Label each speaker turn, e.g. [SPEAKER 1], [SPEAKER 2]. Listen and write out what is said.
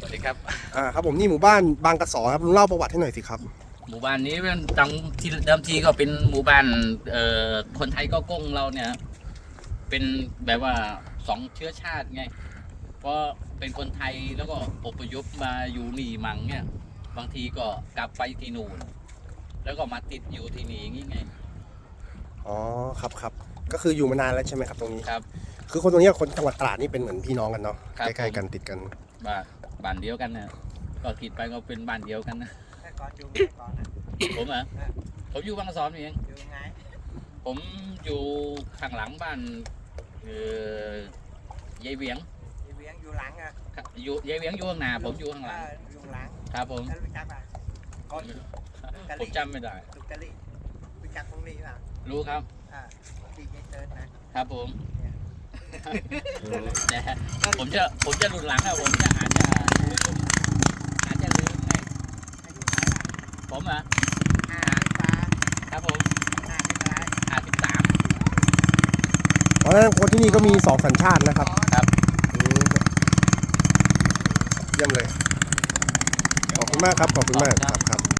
[SPEAKER 1] สดีครับ
[SPEAKER 2] ครับผมนี่หมู่บ้านบางกระสอครับลุงเล่าประวัติให้หน่อยสิครับ
[SPEAKER 1] หมู่บ้านนี้เป็นตั้งที่เดิมทีก็เป็นหมู่บ้านคนไทยก็ก้งเราเนี่ยเป็นแบบว่าสองเชื้อชาติไงเพราะเป็นคนไทยแล้วก็อพยพมาอยู่นี่มั่งเนี่ยบางทีก็กลับไปที่นู่นแล้วก็มาติดอยู่ที่นี่อย่างงี้ไง
[SPEAKER 2] อ๋อครับครับก็คืออยู่มานานแล้วใช่ไหมครับตรงนี้
[SPEAKER 1] ครับ
[SPEAKER 2] คือคนตรงนี้กับคนจังหวัดตราดนี่เป็นเหมือนพี่น้องกันเนาะ
[SPEAKER 1] ครับ
[SPEAKER 2] ใกล้ๆกันติดกัน
[SPEAKER 1] บ้านเดียวกันนะก็คิดไปก็เป็นบ้านเดียวกันนะ
[SPEAKER 3] ก่อนอยู่ก่อนนะ
[SPEAKER 1] ผมอ่ะผมอยู่บางกะสอนเอง
[SPEAKER 3] อยู่ไง
[SPEAKER 1] ผมอยู่ข้างหลังบ้านยายเวียง
[SPEAKER 3] เวียงอยู่หลังอ่ะ
[SPEAKER 1] อยู่ยายเวียงอยู่ข้างหน้าผมอยู่ข้างหลัง
[SPEAKER 3] อยู่หลัง
[SPEAKER 1] ครับผม
[SPEAKER 3] แล้วรู้จักป่ะ
[SPEAKER 1] ผมจำไม่ได้
[SPEAKER 3] สุกะลิรู้จักตรงนี้ป่ะ
[SPEAKER 1] รู้ครับ
[SPEAKER 3] ดีเจเติร์ด
[SPEAKER 1] นะครับผมแต่ผมจะหลุดหลังอะผมจะอาจจะลืมไงผมอ่ะครับผม53
[SPEAKER 2] เพราะฉะนั้นคนที่นี่ก็มี2สัญชาตินะครับ
[SPEAKER 1] ครับ
[SPEAKER 2] เยี่ยมเลยขอบคุณมากครับขอบคุณมากครับ